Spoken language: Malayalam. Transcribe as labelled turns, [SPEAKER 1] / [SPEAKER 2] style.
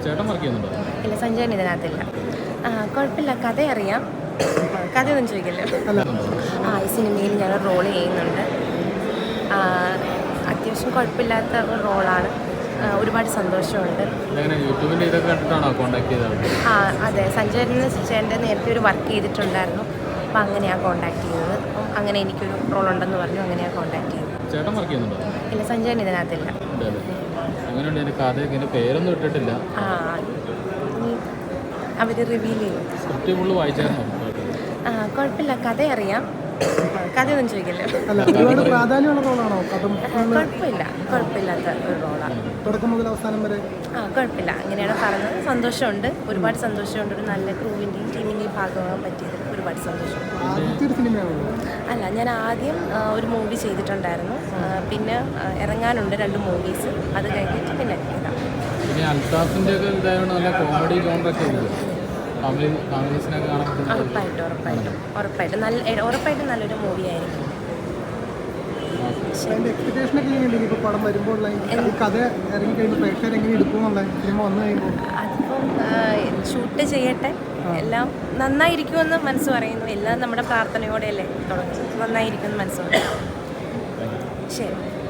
[SPEAKER 1] ചേട്ടൻ വർക്ക് ചെയ്യുന്നുണ്ടോ?
[SPEAKER 2] ഇല്ല, സഞ്ജയൻ ഇതിനകത്തില്ല. കുഴപ്പമില്ല, കഥ അറിയാം. കഥയൊന്നും ചോദിക്കില്ല. ഈ സിനിമയിൽ ഞാൻ റോൾ ചെയ്യുന്നുണ്ട്. അത്യാവശ്യം കുഴപ്പമില്ലാത്ത ഒരു റോളാണ്. ഒരുപാട് സന്തോഷമുണ്ട്. അതെ, സഞ്ജയന് ചേട്ടൻ്റെ നേരത്തെ ഒരു വർക്ക് ചെയ്തിട്ടുണ്ടായിരുന്നു. അപ്പം അങ്ങനെയാണ് കോൺടാക്ട് ചെയ്തത്. അപ്പം അങ്ങനെ എനിക്കൊരു റോൾ ഉണ്ടെന്ന് പറഞ്ഞു, അങ്ങനെയാണ് കോൺടാക്ട് ചെയ്തത്.
[SPEAKER 1] ചേട്ടൻ വർക്ക് ചെയ്യുന്നുണ്ടോ?
[SPEAKER 2] ഇല്ല, സഞ്ജയൻ ഇതിനകത്തില്ല.
[SPEAKER 1] പേരൊന്നും ഇട്ടിട്ടില്ല.
[SPEAKER 2] അവർ റിവീൽ ചെയ്യും. കുഴപ്പമില്ല, കഥ അറിയാം. കഥയൊന്നും ചോദിക്കില്ല. കുഴപ്പമില്ലാത്ത ഒരു റോളാണ്. കുഴപ്പമില്ല, അങ്ങനെയാണ് പറഞ്ഞത്. സന്തോഷമുണ്ട്, ഒരുപാട് സന്തോഷമുണ്ട്. ഒരു നല്ല ക്രൂവിൻ്റെയും ടീമിൻ്റെയും ഭാഗമാകാൻ പറ്റിയതിൽ ഒരുപാട് സന്തോഷമുണ്ട്. അല്ല, ഞാൻ ആദ്യം ഒരു മൂവി ചെയ്തിട്ടുണ്ടായിരുന്നു. പിന്നെ ഇറങ്ങാനുണ്ട് 2 മൂവീസ്. അത് കഴിഞ്ഞിട്ട് പിന്നെ ഉറപ്പായിട്ടും നല്ലൊരു മൂവി ആയിരിക്കും. അതിപ്പം ഷൂട്ട് ചെയ്യട്ടെ, എല്ലാം നന്നായിരിക്കുമെന്ന് മനസ്സ് പറയുന്നു. എല്ലാം നമ്മുടെ പ്രാർത്ഥനയോടെയല്ലേ തുടങ്ങുന്നത്. നന്നായിരിക്കുമെന്ന് മനസ്സ് പറയുന്നു. ശരി.